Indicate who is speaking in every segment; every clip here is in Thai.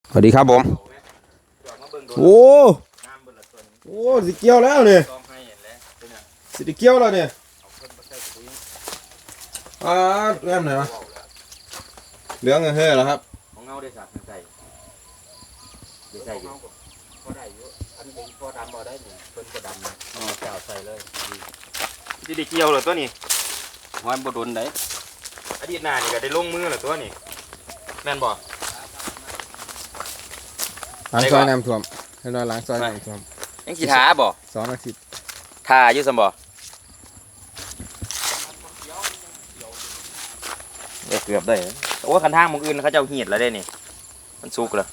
Speaker 1: สวัสดีครับผมโอ้โอ้สิเกี่ยวแล้วเนี่ยสิเกี่ยวแล้วเนี่ยแอมไหนวะเหลืองเฮ้ยแล้วครับ
Speaker 2: ของเงาได้สักใส่ได้ใส่อยู่พอได้อยู่อันนี้พอดำบ่ได้หนึ่งเพิ่นก็ดำอ๋อเจ้าใส่เลยที่ได้เกี่ยวเลยตัวนี้หอยบ่โดนได้อดีตหน้านี่ก็ได้ลงมือเลยตัวนี้แม่นบ่
Speaker 1: ล้างซอยน้ำท่วมให้เราล้างซอยน้ำท่วม
Speaker 2: ยังกี่ท้าบ่
Speaker 1: 2 อาทิตย์
Speaker 2: ท่าอยู่ซั่นบ่เกือบได้โอ้คันทางหมู่อื่นเขาเจ้าเหียดแล้วได้นี่มันสุกแล้ว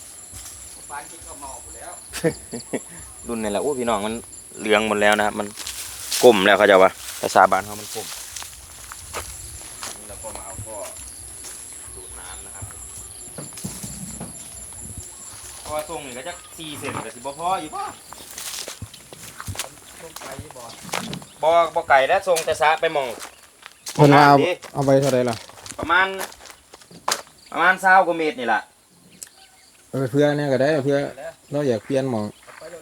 Speaker 2: รุ่นนี่แหละโอ้พี่น้องมันเหลืองหมดแล้วนะครับมันก้มแล้วเขาเจ้าว่าภาษาบ้านเขามันก้มนี่เราก็มาเอาท่อดูดน้ำนะครับพอส่งนี่ก็จะ4 เซนก็สิบ่พออยู่ป่ะบ่ไก่แล้วส่งแต่ซะไปหม่อง
Speaker 1: เพิ่นว่าเอาไปเท่าไหร่ล่ะ
Speaker 2: ประมาณ20 กว่าเมตรนี่ล่ะ
Speaker 1: เพื่อเนี่ยก็ได้เพื่อเราอยากเปลี่ยนหม่อง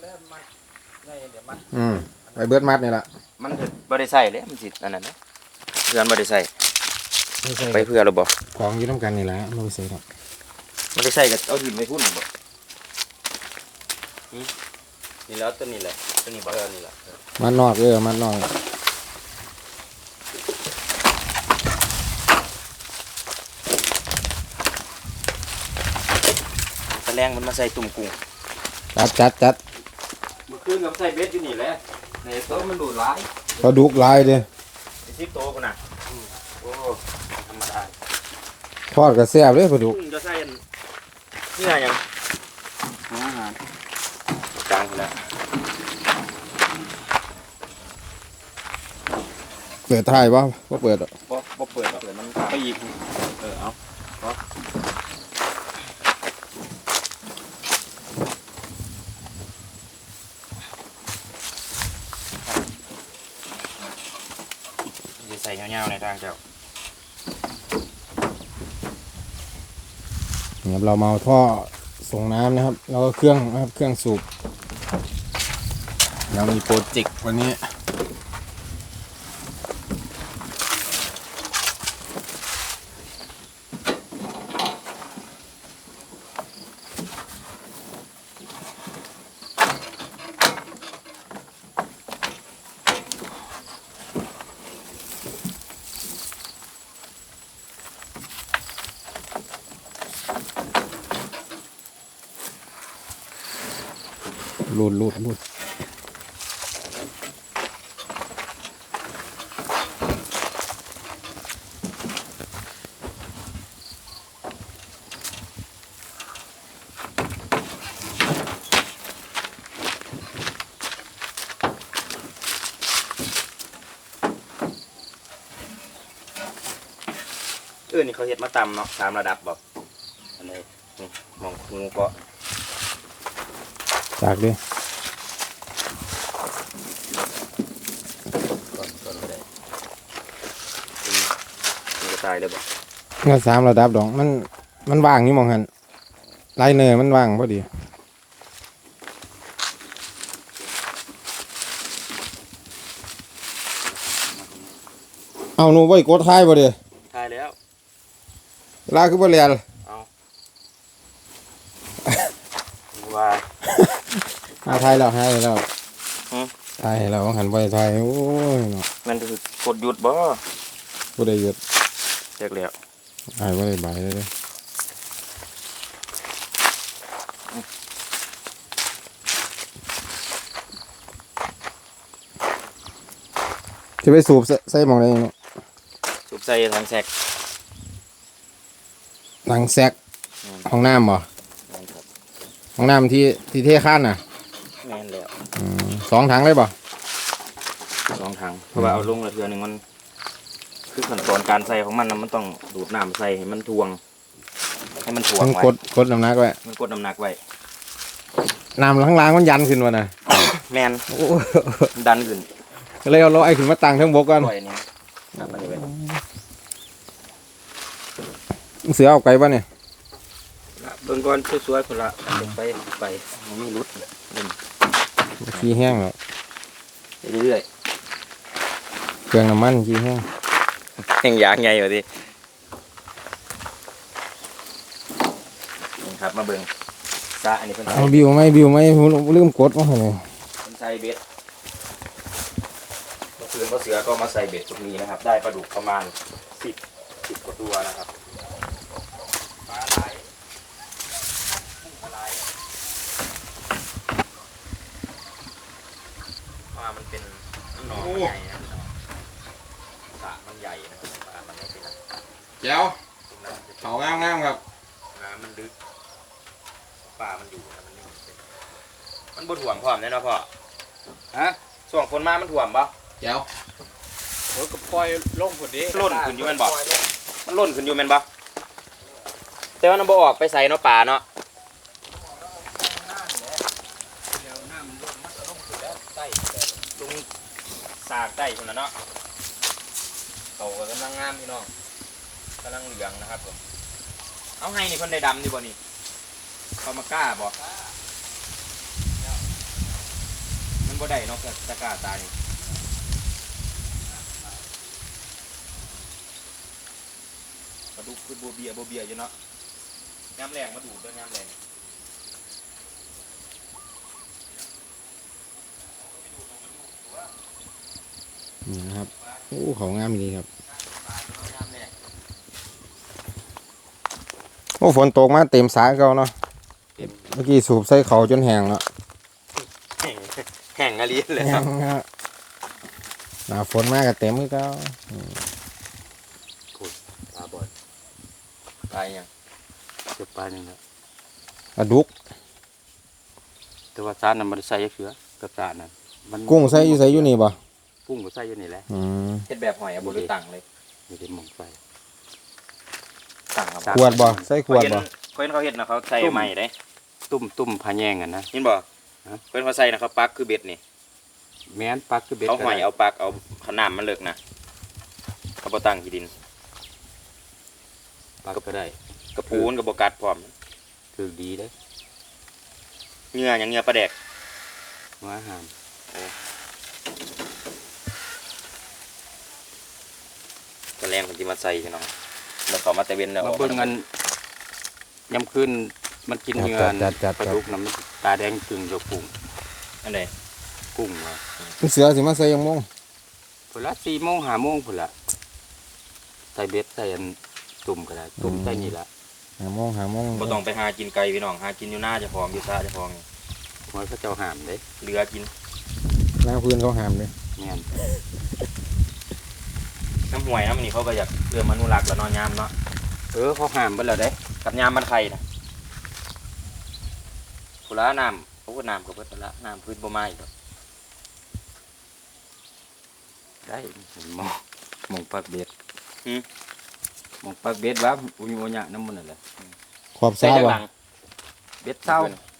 Speaker 1: ไปเบิดมัดนี่ล่ะ
Speaker 2: มันบ่ได้ใส่เลยมันสิอันนั้นนะเพื่อนบ่ได้ใส่ไปเพื่อเราบ่
Speaker 1: ของอยู่นำกันนี่ล่ะบ่ใส่ดอก
Speaker 2: มันได้ใส่ก็เอาหินไปพุ่นบ่นี่แล้วตัวนี้แหละตัวนี้บ่นี่ล่ะ
Speaker 1: มันนอกมันนอก
Speaker 2: ตะแรงมันมาใส่ตุ่มกุ้ง
Speaker 1: จัด
Speaker 2: เมื่อคืนกับใส่เบ็ดอยู่นี่แหละในโต๊ะมันดูดหลาย
Speaker 1: ปลาดุกหลายเด้
Speaker 2: 10 โต๊ะพุ่นน่ะโอ้ธรรมดา
Speaker 1: ทอดก็แซ่บเด้ปลาดุก
Speaker 2: จะใส่นี่หยังอาหารจางแล้ว
Speaker 1: เปิดท้ายบ่เปิด
Speaker 2: บ่เปิดมันไปอีกเอาใส่เงาๆในทางเจ้า
Speaker 1: เนี่ยเรามาเอาท่อส่งน้ำนะครับแล้วก็เครื่องนะครับเครื่องสูบเรามีโปรเจกต์วันนี้รูด
Speaker 2: นี่เขาเฮ็ดมาตำเนาะ3 ระดับบอกอันนี้นี่มองงูก็
Speaker 1: จากดิ
Speaker 2: ก่อนก็ได้มันจะตายเลยบอก
Speaker 1: เงิน3 ระดับดอกมันว่างนี่มองหันลายเนยมันว่างพอดีเอาหนูไว้กดท้ายบ่เด้
Speaker 2: ตายแล้ว
Speaker 1: ลาคือบ่เรียน
Speaker 2: เอาว่า
Speaker 1: ทายแล้วทายแล้วหันไปทายโอ้ย
Speaker 2: มันคือกดหยุดบ่
Speaker 1: ได้หยุด
Speaker 2: เช็คแล้ว
Speaker 1: บ่ได้ใบเลยจะไปสูบใส่หมองได้เนาะ
Speaker 2: สูบใส่ถังแซก
Speaker 1: ห้องน้ำบ่ห้องน้ำที่เทข้านน่ะ
Speaker 2: แม่นแล้ว
Speaker 1: 2 ถังเลยบ่
Speaker 2: 2 ถังเพราะว่าเอาลงละเทื่อนึงมันคือขั้นตอนการใส่ของมันมันต้องดูดน้ำใส่ให้มันทวงให้มันถ่วงไว้
Speaker 1: กดน้ำหนักไว้
Speaker 2: มันกดน้ำหนักไว้
Speaker 1: น้ำข้างล่างมันยันขึ้นวะนะ
Speaker 2: แมนดันขึ้น
Speaker 1: ก็เลยเอาไอ้ขึ้นมาตั้งทั้งบกก่อน
Speaker 2: เสื
Speaker 1: อเอาไก่ป่ะเนี่ย
Speaker 2: เบเบิ่งก่อนสวยๆพุ่นละไปมีรุด
Speaker 3: ขี้แห้งแล้ว
Speaker 2: เรื่อย
Speaker 3: เครื่องน้ำมันขี้แห้ง
Speaker 2: ๆแห่งยางไงวะดินี่ครับมาเบิ่งซะอันนี้เพิ่น
Speaker 3: เอาบิวไหมลืมกดมาให้เลย
Speaker 2: ใส่เบ็ดเมื่อคืนพ่อเสือก็มาใส่เบ็ดตรงนี้นะครับ ได้ปลาดุกประมาณ10กว่าตัวนะครับปลาไหลปลาไหลปลามันเป็นหนองใหญ่นะสระมันใหญ่นะครับปลามันไม่เป็น
Speaker 1: แจ๋วเขางามครับ
Speaker 2: น้ำมันลึกปลามันอยู่นะมันไม่เป็นมันบ่ถ่วมพร้อมแน่เนาะพ่อฮะช่วงฝนมามันถ่วมปะ
Speaker 1: แจ๋ว
Speaker 4: โอ้ยก็ปล่อยลงพอดี
Speaker 2: ล่นขึ้นอยู่แม่นบ่มันล่นขึ้นอยู่แม่นบ่แต่ว่ามันบ่ออกไปใส่เนาะป่าเนาะตรงสากใต้คนละเนาะเขาก็กำลังงามพี่น้องกำลังเหลืองนะครับผมเอาให้นี่เพิ่นได้ดำดีบ่นี่เขามากล้าบ่มันบ่ได้เนาะตะกร้าตานี่กระดูกคือโบเบียอยู่เนาะน้ำแรงมาดูดด้วยน้ำแรง
Speaker 3: นี่นะครับโอ้เขางามดีครับ
Speaker 2: น้ำแรง
Speaker 3: โอ้ฝนตกมาเต็มสาเก่าเนาะเมื่อกี้สูบใส่เขาจนแห้งแล้ว
Speaker 2: แห้งอะไรเลย
Speaker 3: แห้
Speaker 2: ครับ
Speaker 3: งครับหน้าฝนมากก็เต็มคือเก่า
Speaker 2: ปลาบอลปลาอย่างเจ็บปลาอย่างละ
Speaker 3: ปลาดุก
Speaker 2: แต่ว่าซานนั้นมันใส่เชื้อกับซานนั้นมัน
Speaker 3: กุ้งใส่อยู่นี่บ่
Speaker 2: กุ้งก็ใส่อยู่นี่แหละ
Speaker 3: อืม
Speaker 2: เฮ็ดแบบหอยอะบ่ได้ตั้งเลยมีแต่หม่องใส่ตั้งครับ
Speaker 3: ขวดบ่ใส่ขวดบ่
Speaker 2: เพิ่นเขาเฮ็ดนะเขาใส่ใหม่เด้ตุ่มพะแยงกันนะเห็นบ่เพิ่นเขาใส่นะเขาปักคือเบ็ดนี่แม่นปักคือเบ็ดเขาหอยเอาปักเอาขนาดมันเลิกนะเขาบ่ตั้งที่ดินปักก็ได้กระปูนก็บ่กัดพร้อมคือดีเด้เหงื่อหยังเหงื่อปลาแดกว่าหามตะแรงคนที่มาใส่พี่น้องแล้วเขามาแต่เว้นแล้วมาเบิ่งกันยำคืนมันกินเหงื่อปลาดุกน้ำมันตาแดงจึงจะกุ้งอันไหนกุ้งวะ
Speaker 3: เสือสิมาใส่ยังมง
Speaker 2: พุ่นละ4 โมง 5 โมงพุ่นละใส่เบ็ดใส่อันตุ่มก็ได้ตุ่มใส่นี่ละ
Speaker 3: หาโมง
Speaker 2: บ่ต้องไปหากินไกลพี่น้องหากินอยู่หน้าเจ้าของอยู่ซ่าเจ้าของหอยเขาเจ้าหามเด้เหลือกิน
Speaker 3: หน้าพื้นเขาหามเลย
Speaker 2: แม่นน้ำห่วยน้ำนี่เขาก็อยากเรื่องมนุรักษ์แล้วนอนยามเนาะเขาหามเบิ่แล้วเด้กับยามมันไข่น่ะพุ่นละน้ำเขาก็น้ำก็เบิดพุ่นละน้ำพื้นบ่มาอีกดอกได้มองปักเบ็ดมองปักเบ็ดว่าอุ้ยโมยะน้ำมันนั่นแหละ
Speaker 3: ขอบ
Speaker 2: ใส่
Speaker 3: ซ่า
Speaker 2: ด้าน
Speaker 3: บ่
Speaker 2: หลังเบ็ดเศร้า